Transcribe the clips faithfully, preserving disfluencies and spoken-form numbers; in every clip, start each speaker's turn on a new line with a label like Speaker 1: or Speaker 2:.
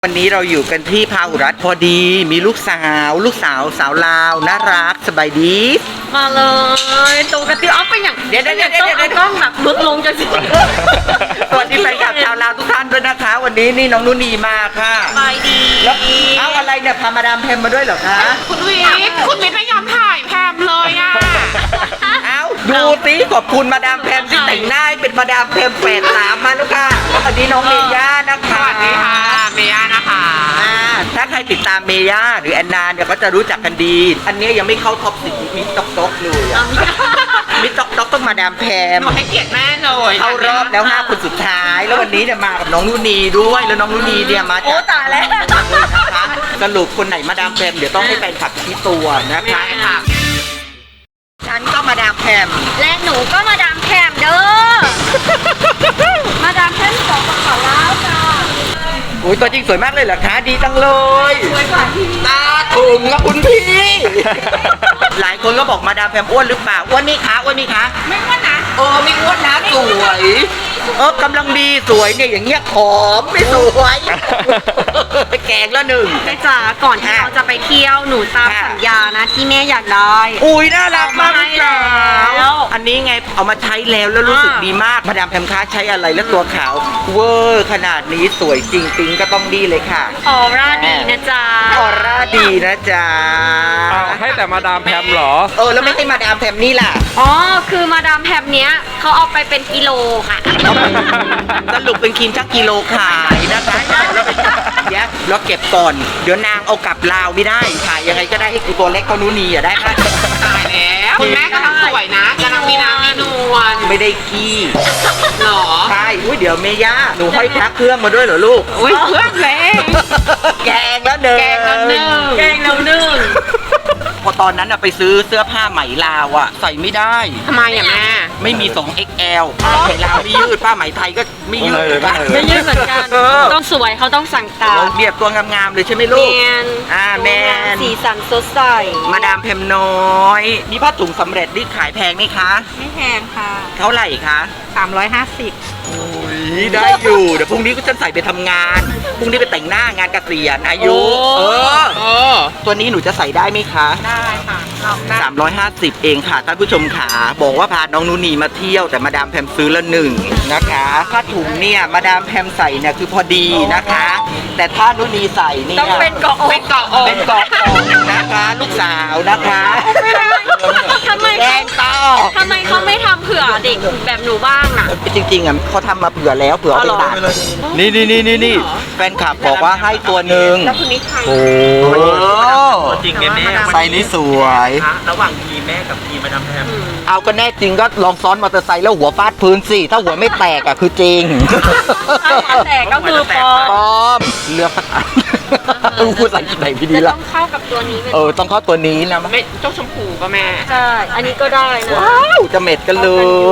Speaker 1: วันนี้เราอยู่กันที่พาหุรัตน์พอดีมีลูกสาวลูกสาวสาวลาวน่ารักสบายดี
Speaker 2: มาเลยตัวกระติออฟเป็นอย่าง
Speaker 1: เดี๋ยวเดี๋ยวเดี๋ยว
Speaker 2: ต้อง
Speaker 1: เดี๋ยว
Speaker 2: เอากล้องแบบบึกลงจะสิ
Speaker 1: สวัสดีแฟนคลับชาวลาวทุกท่านด้วยนะคะ วันนี้นี่น้องนุ่นนีมาค่ะ
Speaker 2: ไปดี
Speaker 1: แล้วเอาอะไรเนี่ยพามาดามแพมมาด้วยเหรอคะ
Speaker 3: คุณวิทย์คุณวิทย์ไม่ยอมถ่ายแพมเลยอ่ะ
Speaker 1: เอาดูสิขอบคุณมาดามแพมที่แต่งหน้าให้เป็นมาดามแพมแปดสามมาแล้วค่ะสวัสดีน้องเมย่านะคะ
Speaker 3: สวัสดีค่ะเมย่านะคะ
Speaker 1: อ่าถ้าใครติดตามเมย่าหรือแอนนาเนี่ยก็จะรู้จักกันดี อันนี้ยังไม่เข้าท็อปสิบมิตรต็อกเลยอะมิตรต็อกต้องมาดามแพม
Speaker 3: หนูให้เกียรติแม่เลย
Speaker 1: เข้ารอบแล้วห้าคนสุดท้าย แล้ววันนี้เนี่ยมากับน้องนุ่นนีด้วยแล้วน้องนุ่นนีเนี่ยมา
Speaker 2: โอ้
Speaker 1: จาก
Speaker 2: ตายแล้ว
Speaker 1: นะคะสรุปคนไหนมาดามแพมเดี๋ยวต้องให้แฟนคลับชี้ตัวนะ
Speaker 3: ไม่
Speaker 1: คะ
Speaker 3: ได้ค่ะ
Speaker 1: ฉันก็มาดามแพม
Speaker 2: และหนูก็มาดามแคมเด้อ มาดามแคมสองกระเป๋าแล้วจ้า
Speaker 1: อุ้ยตัวจริงสวยมากเลยเหรอคะดีจังเลย
Speaker 2: สวยกว่าที่
Speaker 1: ตาถุงนะคุณพี่ หลายคนก็บอกมาดามแพมอ้วนหรือเปล่าอ้วนนี่คะอ้วนนี่คะ
Speaker 3: ไม่ว่านะ
Speaker 1: เออไม่อ้วนนะสวยเออกำลังดีสวยเนี่ยอย่างเงี้ยผอมไม่สวยแกงละหนึ่ง
Speaker 2: แม่จ๋าก่อนที่เราจะไปเที่ยวหนูตามสัญญานะที่แม่อยากได้
Speaker 1: อุ้ยน่ารักมากลูกสา
Speaker 2: แล้ว ว
Speaker 1: อันนี้ไงเอามาใช้แล้วแล้วรู้สึกดีมากมาดามแพมค้าใช้อะไรแล้วตัวขาวเวอร์ขนาดนี้สวยจริงปิงก็ต้องดีเลยค่ะ
Speaker 2: ออร่าดีนะจ๊ะ
Speaker 1: ออร่าดีนะจ๊ะ
Speaker 4: อ้าวให้แต่มาดามแพมเหรอ
Speaker 1: เออแล้วไม่ให้มาดามแพมนี่ล่ะ
Speaker 2: อ๋อคือมาดามแพมเนี้ยเขาเอาไปเป็นกิโลค่ะ
Speaker 1: สรุปเป็นครีมชั่งกิโลขายนะคะแล้วไปเดี๋ยวแล้วเก็บก่อน เดี๋ยวนางเอากลับลาวไม่ได้ขายยังไงก็ได้ให้กูตัวเล็กเขานู้นีอ่ะได้ค่ะ
Speaker 3: ตายแล้วคุณแม่กำลังสวยนะกำลังมีน้ำมีนวล
Speaker 1: ไม่ได้ขี้
Speaker 3: หรอ
Speaker 1: ใช่อุ้ยเดี๋ยวเมย่าหนูห้อยพระเครื่องมาด้วยเหรอลูก
Speaker 3: อุ้ยเพื่อนเลย
Speaker 1: แกงแล้วเดิน
Speaker 3: แกงแล้วหนึ่ง
Speaker 2: แกงแล้วนึ่ง
Speaker 1: พอตอนนั้นอะไปซื้อเสื้อผ้าไหมลาวอะใส่ไม่ได้
Speaker 3: ทำไมอ่ะแม่
Speaker 1: ไม่มี สอง เอ็กซ์ แอล ไหมลาวไม่ยืดผ้าไหมไทยก็ไม่ยืด
Speaker 4: ไม่เลยไม่เลย
Speaker 2: ไม่ยืดเหมือนกัน
Speaker 1: เออ
Speaker 2: ต้องสวยเขาต้องสั่งตาม
Speaker 1: เราเบียบตัวงามๆเลยใช่ไหม
Speaker 2: แม
Speaker 1: ลูก
Speaker 2: น
Speaker 1: อ่าแมน
Speaker 2: สีสันสดใส
Speaker 1: มาดามแพมน้อย นี่ผ้าถุงสำเร็จนี่ขายแพงไหมคะ
Speaker 2: ไม่แพงค่ะ
Speaker 1: เท่าไหร่คะ
Speaker 2: สามร้อยห้าสิบ
Speaker 1: โอ้ยได้อยู่ เดี๋ยวพรุ่งนี้ก็จะใส่ไปทำงาน พรุ่งนี้ไปแต่งหน้างานเกษียณอายุ เออ
Speaker 3: เออ
Speaker 1: ตัวนี้หนูจะใส่ได้ไหมคะ
Speaker 3: ได้ค่ะลองได้
Speaker 1: สามร้อยห้าสิบเองค่ะท่านผู้ชมขาบอกว่าพาน้องนูนีมาเที่ยวแต่มาดามแพมซื้อละหนึ่งนะคะผ้าถุงเนี่ยมาดามแพมใส่เนี่ยคือพอดีนะคะ แต่ถ้านูนีใส่เนี่ย
Speaker 2: ต้องเป็นเกาะอก
Speaker 3: เป็นเกาะอก
Speaker 1: เป็นเกาะอกนะคะลูกสาวนะคะ
Speaker 2: ทำไม
Speaker 1: แด
Speaker 2: เขา
Speaker 1: งต่อ
Speaker 2: ทำไมเขาไม่ทำเผื่อเด็กแบบหนูบ้างน่ะ
Speaker 1: จริงๆอ่ะเขาทำมาเผื่อแล้วเผื่อเอาไปตัดนี่นี่นี่นี่นี่แฟนคลับบอกว่าให้ตัวหนึ่ง
Speaker 3: แล้วคุณนิชา
Speaker 1: โอ้
Speaker 4: จริงไงแม่
Speaker 1: ไซส์นี้สวย
Speaker 4: ระหว่างทีแม่กับทีมาดามแพม
Speaker 1: เอาก็แน่จริงก็ลองซ้อนมอเตอร์ไซค์แล้วหัวฟาดพื้นสิถ้าหัวไม่แตกอ่ะคือจริง
Speaker 2: ถ้าหัวแตกก็คือปอ
Speaker 1: ปลอมเลือกสักอันพูดอะไรไหนพี่ดี
Speaker 2: จะ
Speaker 1: ละ
Speaker 2: ต้องเข้ากับตัวนี้ไหม
Speaker 1: เออต้องเข้าตัวนี้นะ
Speaker 3: ไม่เจ้าชมพูก็แม่
Speaker 2: ใช่ อันนี้ก็ได้นะ
Speaker 1: ว้าวจะเม็ดกันเลย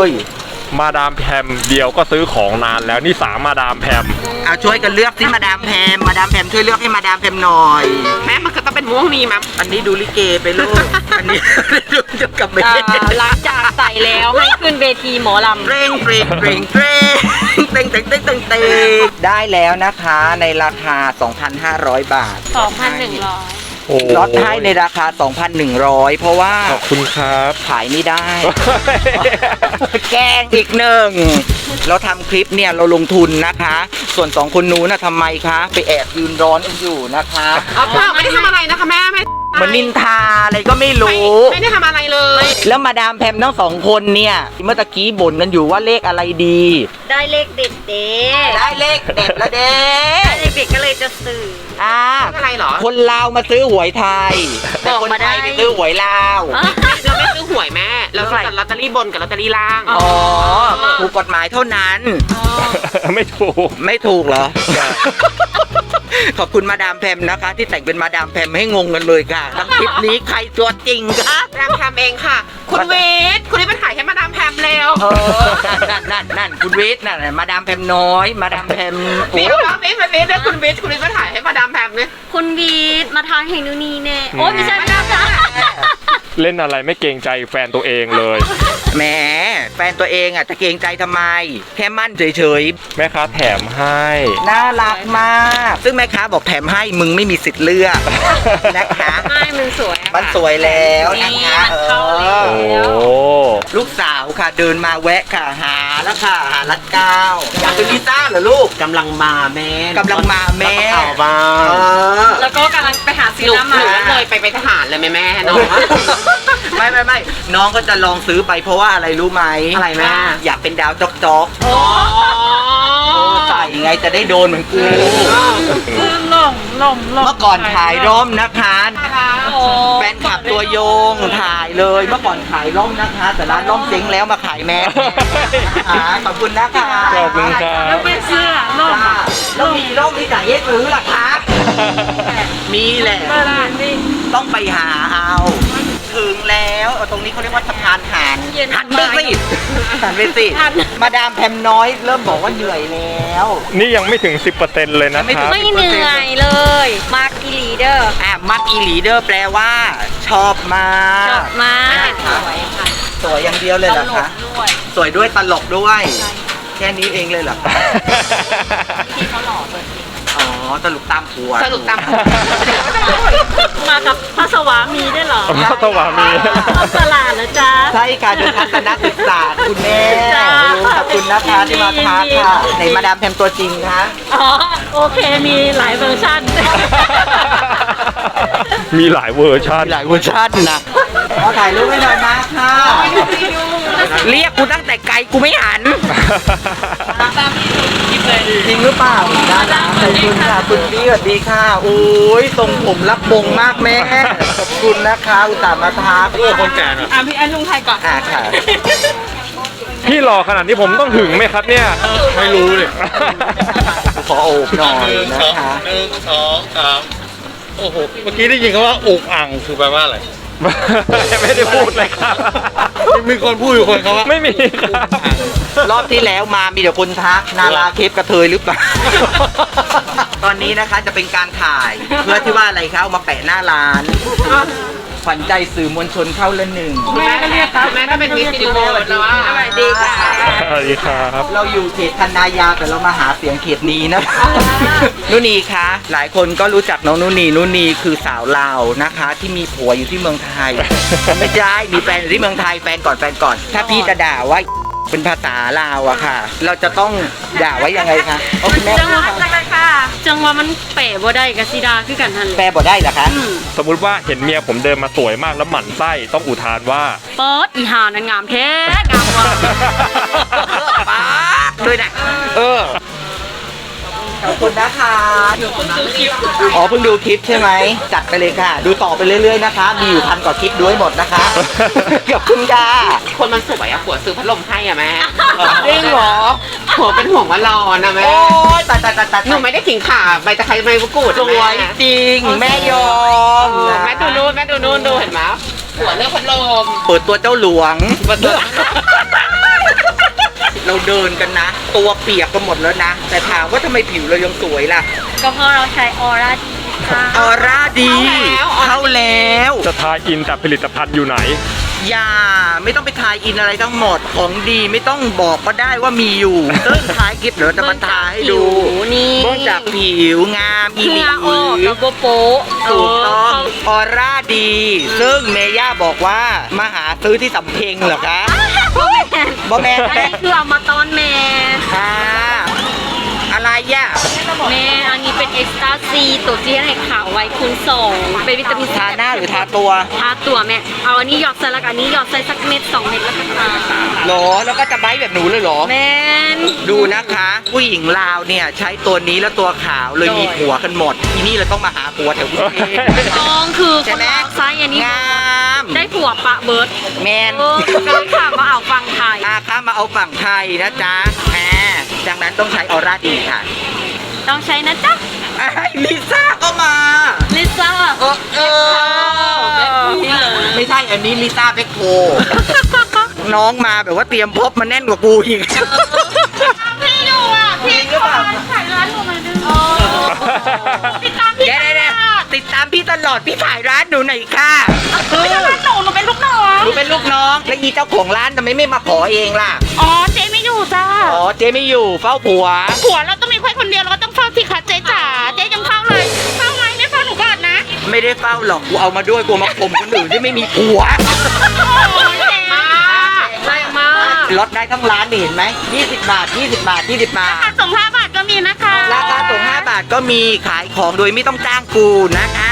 Speaker 4: มาดามแพมเดียวก็ซื้อของนานแล้วนี่สามมาดามแพม
Speaker 1: เอาช่วยกันเลือกสิมาดามแพมมาดามแพมช่วยเลือกให้มาดามแพมหน่อย
Speaker 3: แม่มันก็ต้องเป็นม่วงนี้มั้ง
Speaker 1: อันนี้ดูลิเกไปลูกอันนี้ดูเกี่ยวกับเม
Speaker 2: อ่าหลังจากใส่แล้วให้ขึ้นเวทีหมอลำ
Speaker 1: เร่งเร่งเร่งเร่งเต็งเต็งเต็งเต็งเต็งได้แล้วนะคะในราคา สองพันห้าร้อย บาท
Speaker 2: สองพันหนึ่งร้อย
Speaker 4: โอ้
Speaker 1: ลดให้ในราคา สองพันหนึ่งร้อย เพราะว่า
Speaker 4: ขอบคุณครับ
Speaker 1: ขายไม่ได้ แกล้งอีกหนึ่ง เราทำคลิปเนี่ยเราลงทุนนะคะ ส่วนสองคนนู้นนะทำไมคะ ไปแอบยืนร้อนกันอยู่นะคะ
Speaker 3: อ๋อเปล่าไม่ได้ทำอะไรนะคะแม่ไม่
Speaker 1: เหมือนนินทาอะไรก็ไม่
Speaker 3: ไม่
Speaker 1: รู้
Speaker 3: ไม่ได้ทำอะไรเลย
Speaker 1: แล้วมาดามแพมทั้งสองคนเนี่ย เมื่อตะกี้บ่นกันอยู่ว่าเลขอะไรดี
Speaker 2: ได้เลขเด็ดเด้
Speaker 1: ได้เลขเด็ดละเด้
Speaker 2: ได้เลขเด็ดก็เลยจะสื่อ
Speaker 1: อ่า
Speaker 3: อะไรเหรอ
Speaker 1: คนลาวมาซื้อหวยไทยแต่คนไทยไปซื้อหวยลาว
Speaker 3: เราไม่ซื้อหวยแม่ เราซื้อแต่ลอตเตอรี่บนกับลอตเตอรี่ล่าง
Speaker 1: อ๋อถูกกฎหมายเท่านั้น
Speaker 4: ไม่ถูก
Speaker 1: ไม่ถูกเหรอ ขอบคุณมาดามแพมนะคะ ที่แต่งเป็นมาดามแพมให้งงกันเลยค่ะทั้งคลิปนี้ใครตัวจริงคะ
Speaker 3: มาดามแพมเองค่ะ คุณวิทย์คุณวิทย์ไปถ่ายให้มาดามแพมเร็ว
Speaker 1: เออนั่นนั่นนั่นคุณวิทย์นั่นมาดามแพมน้อย มาดามแพม
Speaker 3: วิทย์มาวิทย์มาวิทย์แล้วคุณวิทย์คุณวิทย์มาถ่ายให้มาดามแพมเนี่ย
Speaker 2: คุณวีดมาทางเฮนูนีแน่โอ้ยไม่ใช่ไม่ใช่
Speaker 4: เล่นอะไรไม่เกรงใจแฟนตัวเองเลย
Speaker 1: แหมแฟนตัวเองอ่ะจะเกรงใจทำไม แค่มั่นเฉย
Speaker 4: แม่ค้าแถมให้
Speaker 1: ๆ น่ารักมาก ซึ่งแม่ค้าบอกแถมให้มึงไม่มีสิทธิ์เลือกนะคะ
Speaker 2: ไม่มันสวยอะ
Speaker 1: มันสวยแล้วนะคะเอ
Speaker 2: เข้าแล้
Speaker 1: อ
Speaker 2: ว
Speaker 4: โอ้
Speaker 1: ลูกสาวค่ะเดินมาแวะค่ะหาแล้วค่ะหารัดเก้าอยากเป็นลิซ่าเหรอลูก
Speaker 5: กำลังมาแม่
Speaker 1: กำลังมาแม่
Speaker 5: เอาบ้า
Speaker 1: เอง อ
Speaker 2: แล้วก็กำลังไปหา
Speaker 3: ห
Speaker 2: ซื้อ
Speaker 3: นู
Speaker 2: น้ำ
Speaker 3: หนู
Speaker 2: มา
Speaker 3: เลยไปไปทหารเลยแม่แม่น้อง
Speaker 1: ไม่ไม่ไม่น้องก็จะลองซื้อไปเพราะว่าอะไรรู้ไหม
Speaker 3: อะไรแม่
Speaker 1: อยากเป็นดาวจ๊อกจ๊อก
Speaker 3: โอ้
Speaker 1: เออใส่ไงจะได้โดนเหมือนกู
Speaker 2: คือหลงหลงหลง
Speaker 1: เมื่อก่อนขายร่มนะคะ
Speaker 2: โอ้
Speaker 1: แฟนคลับตัวยงถ่ายเลยเมื่อก่อนขายร่มนะคะ แต่ร้านร่มเจ๊งแล้วมาขายแมสอ่าขอบคุณนะคะ
Speaker 4: ขอบคุณครับ
Speaker 2: แล้วเป็นเสื้อหลง
Speaker 1: ค่ะแล้วมีร่มที่ไหนให้ซื้อล่ะคะมีแหละ
Speaker 2: เวลานี่
Speaker 1: ต้องไปหาเอา ถึงแล้วเอาตรงนี้เขาเรียกว่าสะพานหัน
Speaker 2: เย็น
Speaker 1: หันไปสิหันไปสิ
Speaker 2: หัน
Speaker 1: มาดามแพมน้อยเริ่มบอกว่าเหนื่อยแล้ว
Speaker 4: นี่ยังไม่ถึง สิบเปอร์เซ็นต์ เลยนะครับ
Speaker 2: ไม่เหนื่อยเลย มาร์กีลีเดอร์
Speaker 1: อ่ะมักอีหลีเดอร์แปลว่า ชอบมาก
Speaker 2: จบมาสวยค่ะ
Speaker 1: สวยอย่างเดียวเลยเหรอคะ
Speaker 2: ด้วย
Speaker 1: สวยด้วยตลกด้วย แค่นี้เองเลยเหรอคะ
Speaker 2: ที่เขาหล่อตัวจริง
Speaker 1: อ๋อตลกตามผัว
Speaker 3: สรุปตาม
Speaker 2: มากับพระสวามีได้วยเหรอ
Speaker 4: พระสวามี
Speaker 2: ตลาดนะจ๊ะ
Speaker 1: ใช่ค่ะดูทัศนศึกษาคุณแม่
Speaker 2: จ้า
Speaker 1: ขอบคุณนะคะที่มาทักค่ะไหนมาดามแพมตัวจริงคะ
Speaker 2: อ๋อ โอเค มีหลายเวอร์ชัน
Speaker 4: มีหลายเวอร์ชัน
Speaker 1: มีหลายเวอร์ชันนะเอาถ่ายรูปให้หน่อยมาค่ะ เรียกกูตั้งแต่ไกลกูไม่หัน จริงหรือเปล่าด้านหลังขอบคุณค่ะคุณพี่สวัสดีค่ะโอ้ยทรงผมรับบงมากแม่ขอบคุณนะคะอุตส่าห์มาทักเพื่อคนแก่นะ
Speaker 2: อ่ะพี่อันลุงไทยก่อน
Speaker 1: อ่ะค่ะ
Speaker 4: พี่หล่อขนาดนี้ผมต้องหึงไหมครับเนี่ย
Speaker 5: ไม่รู้เลย
Speaker 1: ขอโอบหน่อยนะคะ
Speaker 5: หนึ่งสองสามโอ้โห เมื่อกี้ได้ยินคำว่าอุกอ่างคือแปลว่าอะไร
Speaker 4: ไม่ได้พูดเลยครับ
Speaker 5: มีคนพูดอยู่คนเขาว่า
Speaker 4: ไม่มีครับ
Speaker 1: รอบที่แล้วมามีแต่คนทักนาราเคปกระเทยหรือเปล่า ตอนนี้นะคะจะเป็นการถ่าย เพื่อที่ว่าอะไรคะเอามาแปะหน้าร้านขวัญใจสื่อมวลชนเข้าละหนึ่ง
Speaker 3: แม่ก็เรียกครับแม่ถ้าเป็นมิสซิลิโคนแล้วว่า
Speaker 1: สวัสดีค่ะ
Speaker 4: สวัสดีครับ
Speaker 1: เราอยู่เขตคันนายาวแต่เรามาหาเสียงเขตนี้นะ นุนีคะหลายคนก็รู้จักน้องนุนีนุนีคือสาวลาวนะคะ ที่มีผัวอยู่ที่เมืองไทย ไม่ใช่มีแฟนอยู่ที่เมืองไทยแฟนก่อนแฟนก่อน ถ้าพี่จะด่าว่าเป็นภาษาลาวอะค่ะ เราจะต้องด่าไว้ยังไงคะโอ้คุณแม่
Speaker 2: จังหวะจังเลยค่ะ จังหวะมันเป๋บ่ได้กับซีดาคือกันทันเล
Speaker 1: แปล
Speaker 2: ย
Speaker 1: บ่ได้เหรอคะ
Speaker 4: สมมุติว่าเห็นเมียผมเดินมาสวยมากแล้วหมั่นไส้ต้องอุทานว่า
Speaker 2: เปิดอีหานันงามแท้งามว่ะ
Speaker 1: ป๊าบด้วยนะเออขอบคุณนะคะอ๋อเพิ่งดูคลิปใช่ไหมจัดไปเลยค่ะ ดูต่อไปเรื่อยๆนะคะ มีอยู่พันกว่าคลิปด้วยหมดนะคะขอบคุณค่ะ
Speaker 3: คนมันสวยอะผัวซื้อพัดลมให้อะแม่
Speaker 1: จริงเหรอ
Speaker 3: ผัวเป็นห่วงว่าร้อนอะแม่
Speaker 1: โอ้ยตายตายตายตาย
Speaker 3: หนูไม่ได้ขิงข่าใบตะไคร้ใบมะกรูด
Speaker 1: สวยจริง แม่ยอม
Speaker 3: เออ
Speaker 1: นะ
Speaker 3: แม่ดูนู่นแม่ดูนู่นดูเห็นไหมผัวเลือกพัดลม
Speaker 1: เปิดตัวเจ้าหลวง
Speaker 3: เปิดตัว
Speaker 1: เราเดินกันนะ ตัวเปียกกันหมดแล้วนะ แต่ถามว่าทำไมผิวเรายังสวยล่ะ
Speaker 2: ก็เพราะเราใช้ออร่าดีค่ะ
Speaker 1: ออร่าดี เข้าแล้ว
Speaker 4: จะทายอินแต่ผลิตภัณฑ์อยู่ไหน
Speaker 1: อย่าไม่ต้องไปทายอินอะไรทั้งหมดของดีไม่ต้องบอกก็ได้ว่ามีอยู่ซึ่งท้ายคลิปเดี๋ยวจะมาทายให้ดู
Speaker 2: นี่
Speaker 1: เบื้องจากผิวงามอี
Speaker 2: เห
Speaker 1: หลี
Speaker 2: งื่อออกกับโบโปะ
Speaker 1: ถูกต้องออร่าดี ซึ่งเมย่าบอกว่ามาหาซื้อที่สำเพ็งเหรอคะ
Speaker 2: บ่แม่น
Speaker 1: บอแมน
Speaker 2: อัน
Speaker 1: แม่
Speaker 2: นี้คือเอามาตอนแม่
Speaker 1: ค่ะอะไรย่ะ
Speaker 2: แม่อันนี้เป็นเอ็กซ์ตร้าซีตัวที่ให้ขาวไว้คูณสองเป็นวิตามินซี
Speaker 1: ทาหน้าหรือทาตัว
Speaker 2: ทาตัวแม่ เอาอันนี้หยอดใส่แล้วก็อันนี้หยอดใส่สักเม็ดสองเม็ดแล้วก็ทา
Speaker 1: หรอแล้วก็จะไบท์แบบหนูเลยเหรอ
Speaker 2: แม่น
Speaker 1: ดูนะคะ ผู้หญิงลาวเนี่ยใช้ตัวนี้แล้วตัวขาวเลยมีผัวกันหมด ทีนี้เราต้องมาหาผัวแถวกรุงเทพ
Speaker 2: น้องคือค
Speaker 1: ใช่
Speaker 2: น
Speaker 1: ไหม
Speaker 2: ลาวไซส์อันนี้
Speaker 1: งาม
Speaker 2: ได้ผัวปะเบิร์ด
Speaker 1: แมน
Speaker 2: เออก็เลยค่ะมาเอาฟังไทย
Speaker 1: อาค้ามาเอาฝั่งไทยนะจ๊ะแหมดังนั้นต้องใช้ออร่าดีค่ะ
Speaker 2: ต้องใช้นะจ๊ะ
Speaker 1: ไอ้ลิซ่าก็มา
Speaker 2: ลิซ่า
Speaker 1: เออเออไม่ใช่อันนี้ลิซ่าเบคโค น้องมาแบบว่าเตรียมพบมาแน่นกว่ากูอีก
Speaker 2: พี่อยู่อ่ะพี่ขอขายร้านหนูมาดึงติดตามพี่
Speaker 1: เดี๋ยวเดี๋ยวติดตามพี่ตลอดพี่ถ่ายร้านหนูหน่อยค่ะ
Speaker 2: ไม่ใช่ร้านหนูหนูเป็นลูก
Speaker 1: หนูเป็นลูกน้องแล้วอีเจ้าของร้านทำไมไม่มาขอเองล่ะ
Speaker 3: อ๋อเจ๊ไม่อยู่จ้า
Speaker 1: อ๋อเจ๊ไม่อยู่เฝ้าผัว
Speaker 3: ผัวเราต้องมีแค่คนเดียวเราก็ต้องเฝ้าสิคะเจ๊จ๋าเจ๊ยังเฝ้าเลยเฝ้าไหมไม่เฝ้าหนูก่อนนะ
Speaker 1: ไม่ได้เฝ้าหรอกกูเอามาด้วยกูมาข่มคนอื่นที่ไม่มีผัว
Speaker 3: โอ้ยเจ๊มากแรงมาก
Speaker 1: ลดได้ทั้งร้านนี่เห็นไหมยี่สิบบาทยี่สิบบาทยี่สิบบาท
Speaker 3: ราคาส่งห้าบาทก็มีนะคะ
Speaker 1: ราคาส่งห้าบาทก็มีขายของโดยไม่ต้องจ้างกูนะคะ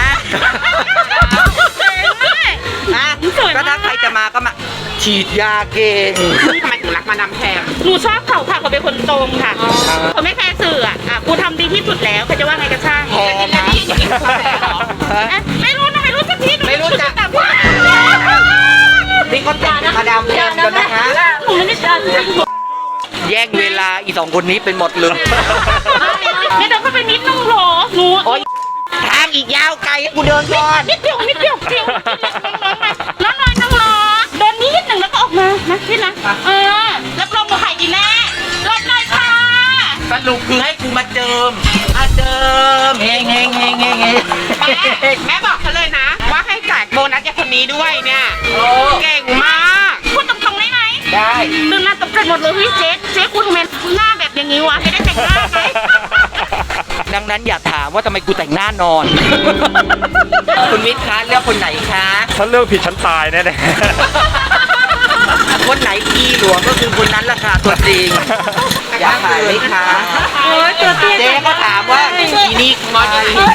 Speaker 1: นะก็ถ้าใครจะมาก็มาฉีดยาเก่ง
Speaker 3: ทำไมถึงรักมาดามแพมหนูชอบเขาค่ะเขาเป็นคนตรงค่ะเขาไม่แคร์สื่ออ่ะอ่ะกูทำดีที่สุดแล้วเขาจะว่าไงก็ช่าง
Speaker 1: แพงนะ
Speaker 3: อ่ะไม่รู้นะไม่รู้สักทีหนู
Speaker 1: ไม่รู้จัก
Speaker 3: แต่ว่า
Speaker 1: นี่ก็ติดมาดามแพมกันนะคะ
Speaker 3: หนูไม่ได้ทำ
Speaker 1: แย่งเวลาอีสองคนนี้เป็นหมดเลย
Speaker 3: ไม่เดินเข้าไปนิดนึงเหรอหนู
Speaker 1: โอ๊ยทางอีกยาวไกลให้กูเดินก่อน
Speaker 3: นิดเดียวนิดเดียวเดียวน้องน้อยน้องรอเดินนิดหนึ่งแล้วก็ออกมานะพี่นะเออรับรองหนูหายดีแน่รถเลยค่ะ
Speaker 1: สรุปคือให้กูมาเจิมมาเจิมเฮงเฮงเฮงเฮงเฮง
Speaker 3: แม่แม่บอกเขาเลยนะ ว่าให้แจกโบนัสแกคนนี้ด้วยเนี่ย
Speaker 1: โอ้
Speaker 3: เก่งมากพูดตรงๆได้ไหม
Speaker 1: ได้
Speaker 3: ตื่นมาตกใจหมดเลยเฮ้ยเจ๊เจ๊คุณทำไมหน้าแบบอย่างนี้วะไม่ได้แต่งหน้าไง
Speaker 1: ดังนั้นอย่าถามว่าทำไมกูแต่งหน้านอน คุณวิทย์คะเลือกคนไหนคะ
Speaker 4: ฉันเลือกผิดฉันตายแน่
Speaker 1: คนไหนอีหลวงก็คือคนนั้นราคาตัวจริง อยากขายไหมคะ
Speaker 3: โอ้ยตัวเตี้ย
Speaker 1: เจ๊ก็ถามว่าอีนี่ใคร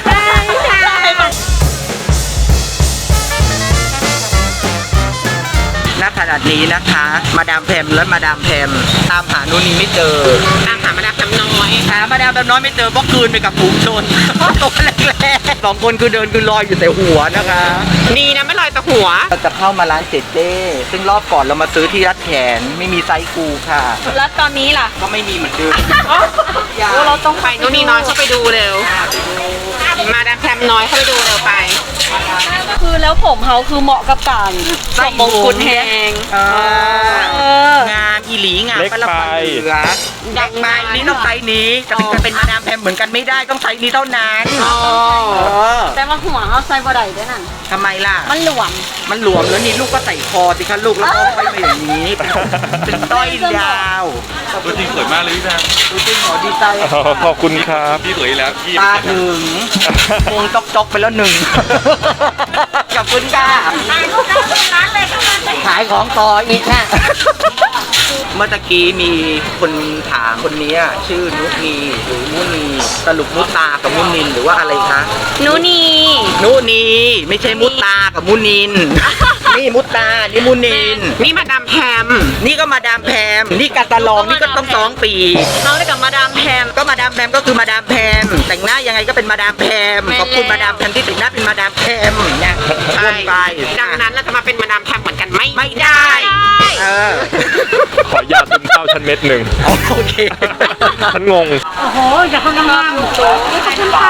Speaker 1: ณขนาดนี้นะคะ มาดามแพมและมาดามแพมตามหานู่นนี่ไม่เจอ
Speaker 3: ตามหามาดามแพมน้อย
Speaker 1: หามาดามแพมน้อยไม่เจอเพราะคืนไปกับฝูงชน ตัวแรกๆสองคนคือเดินคือลอยอยู่แต่หัวนะคะ
Speaker 3: ดีนะไม่ลอยแต่หัว
Speaker 1: เราจะเข้ามาร้านเจเจซึ่งรอบก่อนเรามาซื้อที่รัดแขนไม่มีไซส์กูค่ะ
Speaker 2: แล้วตอนนี้ล่ะ
Speaker 1: ก็ไม่มีเหมือนเดิม
Speaker 2: โอ้เราต้อง
Speaker 3: ไปนู่นนี่น้อยเข้าไปดูเร็ว มาดามแพมน้อยเข้าไปดูเร็วไป
Speaker 2: คือแล้วผมเขาคือเหมาะกับการสวมมงกุฎแฮง
Speaker 1: เอ
Speaker 2: เอ
Speaker 1: อ
Speaker 2: อ
Speaker 1: งานอีหลีงาน
Speaker 4: เล็ก
Speaker 1: ปลา
Speaker 4: ไป
Speaker 1: ปันเหลือเด็กไปนี่ต้องไซส์นี้จะเป็นจะเป็นมาดามแพมเหมือนกันไม่ได้ต้องไซส์นี้เท่านั้นเออ
Speaker 2: แต่ว่าหัวเขาใส่บ่ได้ด้วยนั่น
Speaker 1: ทำไมล่ะ
Speaker 2: มันหลวม
Speaker 1: มันหลวมแล้วนี่ลูกก็ใส่คอสิคะลูกแล้วก็ไปมาอย่างนี้ เป็นต้อยยาว
Speaker 5: ตัวจริงสวยมากเลยพี่แพม
Speaker 1: ดูจริงหมอดีใจ
Speaker 4: ๆขอบคุณครับ
Speaker 5: พี่สวยอีกแล้วพี่
Speaker 1: ตาถึงวงจอกจอกๆไปแล้วหนึ่ง ขอบคุณค่ะ
Speaker 2: ร้านเลยเข้ามาเลย
Speaker 1: ขายของต่ออีกค่ะเมื่อตะกี้มีคนถามคนนี้ชื่อนุนีหรือมุนีสรุปมุตากับมุนินหรือว่าอะไรคะ
Speaker 2: หนูนี่
Speaker 1: นุนีไม่ใช่มุตากับมุนิน นี่มุตานี่มุนิน
Speaker 3: นี่มาดามแพม
Speaker 1: นี่ก็มาดามแพมนี่กาตาลองนี่ก็ต้องสองปี
Speaker 2: เขาได้กับมาดามแพม
Speaker 1: ก็มาดามแพมก็คือมาดามแพมแต่งหน้ายังไงก็เป็นมาดามแพม
Speaker 2: แม่น
Speaker 1: ขอบคุณ
Speaker 2: แล้ว
Speaker 1: มาดามแพมที่แต่งหน้าเป็นมาดามแพมเนี่ย
Speaker 3: ใช่
Speaker 1: วนไป
Speaker 3: ดังนั้นเราจะมาเป็นมาดามแพมเหมือนกันไม่
Speaker 1: ไม่ได้ เออ
Speaker 4: ขอยาซึมเศร้าฉันเม็ดหนึ่ง
Speaker 1: โอเค
Speaker 4: ฉันงง
Speaker 2: โอ้โหอย่าเข้าน้ำมันขอบคุณค่ะ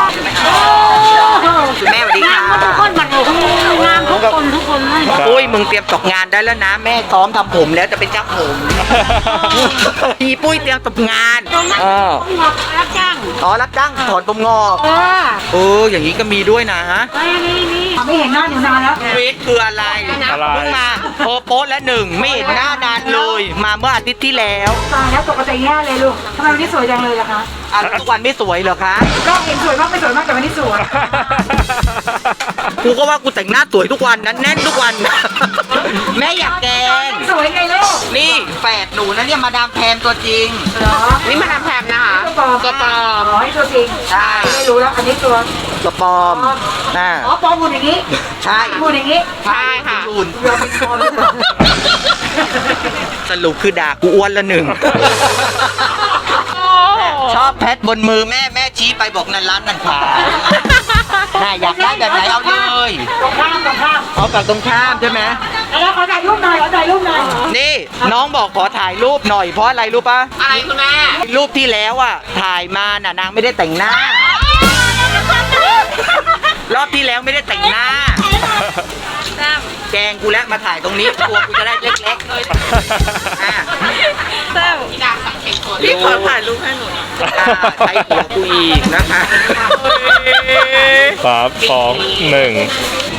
Speaker 1: คุณแม่สวัสดีค่ะ
Speaker 2: ทุกคนบัดโอ้งามทุกคนทุกคนเลย
Speaker 1: อุ้ยมึงเตรียมตกงานได้แล้วนะ แม่ซ้อมทำผมแล้วจะเป็นเจ้าผมอีปุ้ยเตรียมตกงานเออ
Speaker 2: งอกรับจ้าง
Speaker 1: อ๋อรับจ้างถอนผมงอก
Speaker 2: เออ
Speaker 1: เอออย่างนี้ก็มีด้วยนะ
Speaker 2: นี่นี่นี่ไม่เห็นหน้าหนูนานแล้ว
Speaker 1: วิทย์คืออะไร
Speaker 4: อะไร
Speaker 1: เพิ่งมาโอโป๊ะและหนึ่งไม่เห็นหน้านานเลย มาเมื่ออาทิตย์ที่แล้ว
Speaker 6: ตายแล้วปกติแย่เลยลูก ทำไมวันนี้สวยจังเลยล่ะคะ
Speaker 1: อ่ะแล้วทุกวันไม่สวยเหรอคะ
Speaker 6: ก็เห็นสวยมากไม่สวยมากแต่วันนี้สวย
Speaker 1: กูก็ว่ากูแต่งหน้าสวยทุกวันนั้นแน่นทุกวัน แม่อยากแกง
Speaker 6: สวยไงลูก
Speaker 1: นี่แฝดหนูนะเนี่ยมาดามแพมตัวจริง
Speaker 6: เหรอ
Speaker 3: นี่มาดามแพมนะคะ
Speaker 6: ตัวปลอม
Speaker 3: ตัวปลอม
Speaker 6: อ๋อนี่ตัวจริง
Speaker 1: ใช่
Speaker 6: ไม่รู้แล้ว อันนี้ตัว
Speaker 1: ตัวปลอมน่า
Speaker 6: อ๋อปลอมหมุนอย่างนี้
Speaker 1: ใช่
Speaker 6: หมุนอย่างนี้
Speaker 3: ใช่ค่ะ
Speaker 1: รุ่น
Speaker 6: เรือเป็นปลอมหรือเปล่า
Speaker 1: สรุปคือด่ากูอ้วนละหนึ่ง ชอบแพทบนมือแม่แม่ชี้ไปบอกนั่นร้านนั่นขายน่าอยากได้แบบไหนเอาเลย
Speaker 6: ตรงข้ามตรงข้าม
Speaker 1: เอาฝั่งตรงข้ามใช่ไหม
Speaker 6: แล้วขอถ่ายรูปหน่อยขอถ่ายรูปหน่อย
Speaker 1: นี่น้องบอกขอถ่ายรูปหน่อยเพราะอะไรรู้ปะ
Speaker 3: อะไรคุณแม่
Speaker 1: รูปที่แล้วอ่ะถ่ายมาน่ะนางไม่ได้แต่งหน้า รอบที่แล้วไม่ได้แต่งหน้า แกงกูแล้วมาถ่ายตรงนี้ตัวกูจะได้เล็กๆอ่ะ
Speaker 3: พี่ดาสังเกตคน
Speaker 1: พี่ขอถ่ายรูปให้หนูใช้หัวกูอีกนะคะ
Speaker 4: สามสองหนึ่ง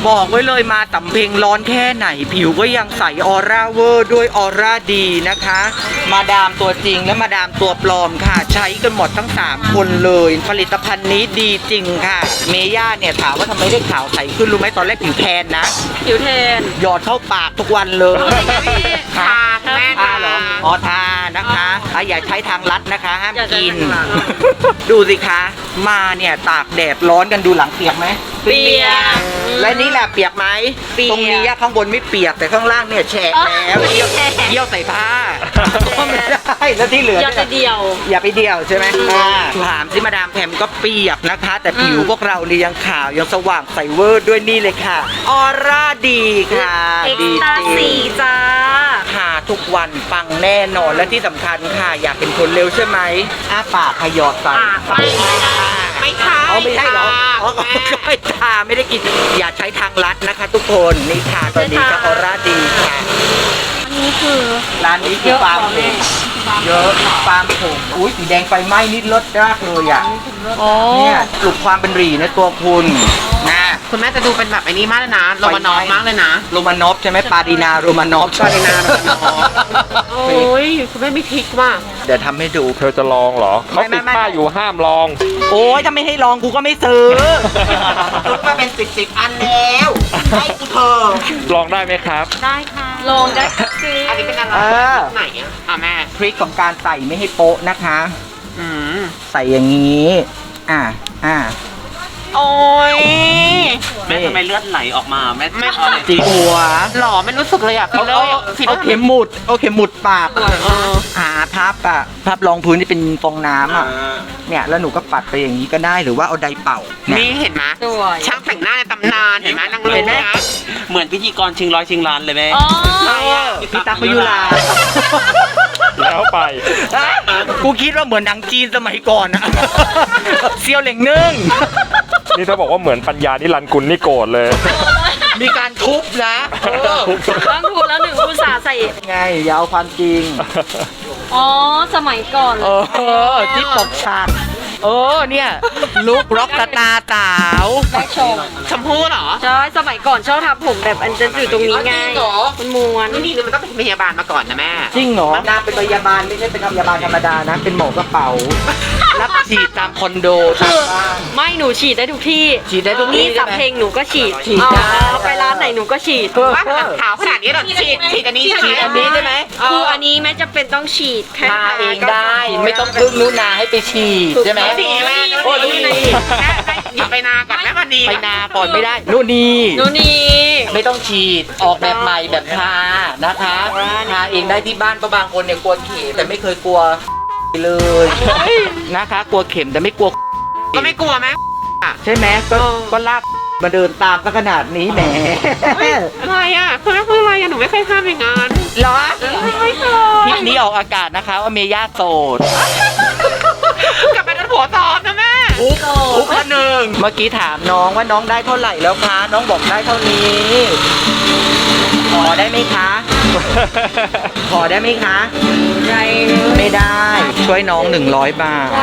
Speaker 1: บอกไว้เลยมาสำเพ็งร้อนแค่ไหนผิวก็ยังใสออร่าเวอร์ด้วยออร่าดีนะคะ มาดามตัวจริงและมาดามตัวปลอมค่ะ ใช้กันหมดทั้งสามคนเลย ผลิตภัณฑ์นี้ดีจริงค่ะ เมย่าเนี่ยถามว่าทำไมได้ขาวใสขึ้นรู้ไหมตอนแรกผิวแทนนะ
Speaker 2: ผิวเทน
Speaker 1: หยอดเข้าปากทุกวันเลย
Speaker 3: ทาแม่
Speaker 1: ทา
Speaker 3: ทา
Speaker 1: เหรออ๋อทานะคะอ่ะอย่าใช้ทางลัดนะคะห้าม
Speaker 2: อย่าใช้
Speaker 1: กิน
Speaker 2: ทางลัด
Speaker 1: ดูสิคะ มาเนี่ยตากแดดร้อนกันดูหลังเปียกไหม
Speaker 2: เปียก
Speaker 1: และนี่แหละเปียกไหม
Speaker 2: เปียก
Speaker 1: ตรงนี้อะข้างบนไม่เปียกแต่ข้างล่างเนี่ยแฉะแล้วเยี่ยวเยี่ยวใส่ผ้าก็ไม่ได้แล้วที่เหลือ
Speaker 2: อย่า
Speaker 1: เนี่ย
Speaker 2: จะเดียว
Speaker 1: อย่าไปเดี่ยวใช่ไหมอ่าถามสิมาดามแพมก็เปียกนะคะ แต่ผิว
Speaker 2: อืม
Speaker 1: พวกเรานี่ยังขาวยังสว่างใสเวอร์ด้วยนี่เลยค่ะ ออร่าดีค่ะ
Speaker 2: เอ็ก
Speaker 1: ดี
Speaker 2: ซ์ตา
Speaker 1: จริ
Speaker 2: สี
Speaker 1: ง
Speaker 2: จ้า
Speaker 1: ทาทุกวันปังแน่นอนและที่สำคัญค่ะ อยากเป็นคนเร็วใช่ไหมอ้าปากขยอดใส่
Speaker 3: ไม่ไม่ใช่
Speaker 1: เอาไม่ใช่เหรออ๋อ
Speaker 3: แม่
Speaker 1: ก็ไม่ทาไม่ได้กินอย่าใช้ทางลัดนะคะ ทุกคนนี่ค่ะตอนนี้ก็ออร่าดีค่ะ
Speaker 2: อันนี้คือ
Speaker 1: ร้านนี้คือฟาร์มผมเยอะฟาร์มผมอุ้ยสีแดงไฟไหม้นี่รสมากเลยอ่ะ
Speaker 2: โอ้
Speaker 1: เนี่ยปลุกความเป็นหรีในตัวคุณนะ
Speaker 3: คุณแม่จะดูเป็นแบบไอ้นี้มากเลยนะโรมานอฟมากเลยนะ
Speaker 1: โรมานอฟใช่ไหมปาดีนาโรมานอฟ
Speaker 3: ปาดีนาโรมานอฟ โอ้ยคุณแม่มีทริกว่ะ
Speaker 1: เดี๋ยวทำให้ดู
Speaker 4: เธอจะลองเหรอเขา
Speaker 1: ไม่
Speaker 4: ติด
Speaker 1: ไม่
Speaker 4: ป้ายอยู่ห้ามลอง
Speaker 1: โอ้ยถ้าไม่ให้ลองกูก็ไม่ซื้อซื้อมาเป็นสิบสิบอันแล้วให้กูเถอะ
Speaker 4: ลองได้ไหมครับ
Speaker 3: ได้ค่ะ
Speaker 2: ลองได้สิ
Speaker 3: อันนี้เป็นอะไร
Speaker 1: เออ
Speaker 3: ไหนอ่ะอ่ะแม่
Speaker 1: ทริคของการใส่ไม่ให้โป๊ะนะคะ
Speaker 3: อืม
Speaker 1: ใส่อย่างนี้ อ่าอ่า
Speaker 3: โอ้ย
Speaker 1: แม่ทำไมเลือด
Speaker 3: ไหลออกมาแม่ไม่
Speaker 1: จีหัว
Speaker 3: หล่อไม่รู้สึกเลยอ่ะ
Speaker 1: เอา
Speaker 3: ฟิลเลอ
Speaker 1: เอา
Speaker 3: ร์ฟิลเล
Speaker 1: เอา
Speaker 3: อร์
Speaker 1: เข็มหมุดเอาเข็มหมุดปาก
Speaker 3: เออ
Speaker 1: หาพับอะพับรองพื้นที่เป็นฟองน้ำอะเนี่ยแล้วหนูก็ปัดไปอย่างนี้ก็ได้หรือว่าเอาไดร์เป่าเนี่ย
Speaker 3: นี่เห็นไหม
Speaker 2: สวย
Speaker 3: ช่างแต่งหน้าในตำนานเห็นไหมนางรู้
Speaker 1: เห็นไหม
Speaker 3: นะ
Speaker 7: เหมือนพิธีกรชิงร้อยชิงล้านเลยแม่
Speaker 2: อ๋อ
Speaker 1: เออพี่ตั๊กมายุรา
Speaker 4: แล้วไป
Speaker 1: กูคิดว่าเหมือนหนังจีนสมัยก่อนอะเซียวเหล่งนึ่ง
Speaker 4: นี่ถ้าบอกว่าเหมือนปัญญานิรันดร์กุลนี่โกรธเลย
Speaker 1: มีการทุบนะเออ
Speaker 2: ต้องถูกแล้วหนึ่งอุตสาห์ใส่
Speaker 1: ไงอย่าเอาความจริง
Speaker 2: อ๋อ สมัยก่อน
Speaker 1: เออที่ปกฉากเออเนี่ยลุกร็อกสตาร์สาว
Speaker 2: แม่ชม
Speaker 3: ชมพู่เหรอ
Speaker 2: ใช่สมัยก่อนชอบทำผมแบบอันจะอยู่ตรงนี้ไง
Speaker 3: จริงเหรอ
Speaker 2: มันม้วน
Speaker 3: นี่นี่มันต้องเป็นพยาบาลมาก่อนนะแม่
Speaker 1: จริงเหรอนางเป็นพยาบาลไม่ใช่เป็นพยาบาลธรรมดานะ เป็นหมอกระเป๋า รับฉีดตามคอนโดตามบ้าน
Speaker 2: ไม่หนูฉีดได้ทุกที่
Speaker 1: ฉีดได้ทุกที่
Speaker 2: นี่
Speaker 1: ใช่
Speaker 2: สับ
Speaker 1: ไหม
Speaker 2: เพลงหนูก็ฉีด
Speaker 1: ฉีดได้
Speaker 2: เอาไปร้านไหนหนูก็ฉีด
Speaker 1: เออ
Speaker 3: ว่าขาวขนาดนี้เหรอฉีดฉีดอันนี้ใช่ไหม
Speaker 1: ฉีดอันนี้ใช่ไหม
Speaker 2: คืออันนี้แม่จะเป็นต้องฉีดแค่
Speaker 1: ทาเองได้ ไม่ต้องพึ่งนุนาให้ไปฉีดใช่ไหม
Speaker 3: ดีแม่
Speaker 1: โอ้ดูดี
Speaker 3: แม่หยุดไปนาก่อนแม่วันนี้
Speaker 1: ไปนาก่อนไม่ได้นู่นนี่
Speaker 2: หนูนี่
Speaker 1: ไม่ต้องฉีดออกแบบใหม่แบบทานะคะทาเองได้ที่บ้านเพราะบางคนเนี่ยกลัวเข็มแต่ไม่เคยกลัวเลยนะคะ กลัวเข็มแต่ไม่กลัว
Speaker 3: ก็ไม่กลัวไหม
Speaker 1: ใช่ไหมก็ก็ลากมาเดินตามก็ขนาดนี้แหม
Speaker 3: อะไรอ่ะคุณแม่พูดอะไรอ่ะหนูไม่เคยทำอย่างนั้น
Speaker 1: เหรอ
Speaker 3: ไม่เคย
Speaker 1: คลิปนี้ออกอากาศนะคะว่าเมย่าโสด
Speaker 3: กลับไปเป็นผัวตอบนะแม่
Speaker 1: อุ๊บอุ๊บละหนึ่งเมื่อกี้ถามน้องว่าน้องได้เท่าไหร่แล้วคะ น้องบอกได้เท่านี้ ขอได้ไหมคะ ขอได้ไหมคะ ไม่ได้ ช่วยน้องหนึ่งร้อยบาท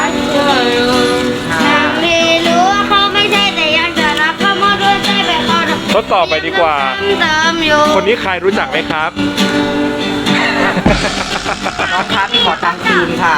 Speaker 1: ค่ะ
Speaker 8: ไม่รู้ว่าเขาไม่ใช่แต่ยังจะรักเขามาด้วยใจไปเขา
Speaker 4: ทดสอบไปดีกว่า
Speaker 8: เติมอยู่
Speaker 4: คนนี้ใครรู้จักไหมครับ
Speaker 1: น้องครับขอตังค์คืนค่ะ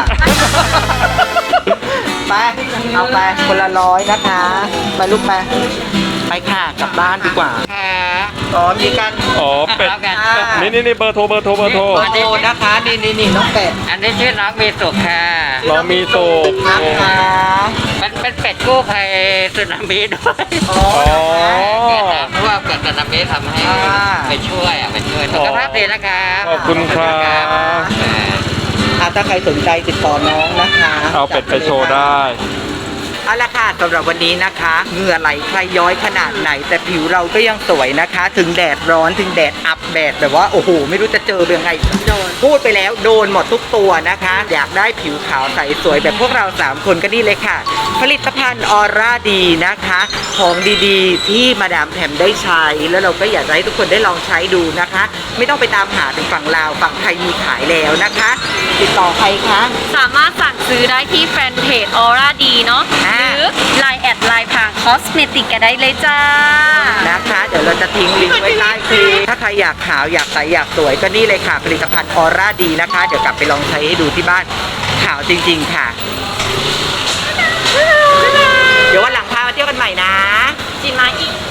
Speaker 1: ไป เอาไปคนละร้อยนะคะ ไปลูกไป ไปค่ะกลับบ้านดีกว่า
Speaker 3: ค่ะ
Speaker 1: อ๋อมีการ
Speaker 4: อ๋อ เป็ด นี่นี่นี่เบอร์โทร เบอร์โทร เบอร์โทร
Speaker 1: เบอร์โทรนะคะ นี่นี่นี่น้องเป็ด
Speaker 7: อันนี้ชื่อน้องมีสุขค่ะ
Speaker 4: น้องมีโตก
Speaker 1: นะคะ
Speaker 7: มันเป็นเป็ดกู้ภัยสึนามิด้วย
Speaker 1: อ๋อ
Speaker 4: อ๋อ
Speaker 7: เนี่ยนะเพราะว่าเกิดสึนามิทำให้
Speaker 1: อ่า
Speaker 7: ไปช่วยอ่ะไปช่วยสุขภาพดีนะคะ
Speaker 4: ขอบคุณครับ
Speaker 1: อ่ะถ้าใครสนใจติดต่อน้องนะคะ
Speaker 4: เอาเป็ดไปโชว์ได้
Speaker 1: เอาละค่ะสำหรับวันนี้นะคะเหงื่อไหลใครย้อยขนาดไหน แต่ผิวเราก็ยังสวยนะคะ ถึงแดดร้อนถึงแดดอับแดดแบบว่าโอ้โหไม่รู้จะเจอยังไงโดนพูดไปแล้วโดนหมดทุกตัวนะคะ อยากได้ผิวขาวใสสวยแบบพวกเราสามคนก็นี่เลยค่ะ ผลิตภัณฑ์ออร่าดีนะคะ ของดีๆ ที่มาดามแพมได้ใช้แล้วเราก็อยากจะให้ทุกคนได้ลองใช้ดูนะคะ ไม่ต้องไปตามหาถึงฝั่งลาวฝั่งไทยมีขายแล้วนะคะ ติดต่อใครคะ
Speaker 2: สามารถสั่งซื้อได้ที่แฟนเพจออร่าดีเนาะ
Speaker 1: อ่า
Speaker 2: หรือ ไลน์ แอดไลน์พางคอสเมติกกันได้เลยจ้า
Speaker 1: นะคะ เดี๋ยวเราจะทิ้งลิงก์ไว้ใต้คลิปถ้าใครอยากขาวอยากใสอยากสวยก็นี่เลยค่ะผลิตภัณฑ์ออร่าดีนะคะ เดี๋ยวกลับไปลองใช้ให้ดูที่บ้านขาวจริงๆค่ะ เดี๋ยววันหลังพามาเที่ยวกันใหม่นะ
Speaker 2: จีนมาอีก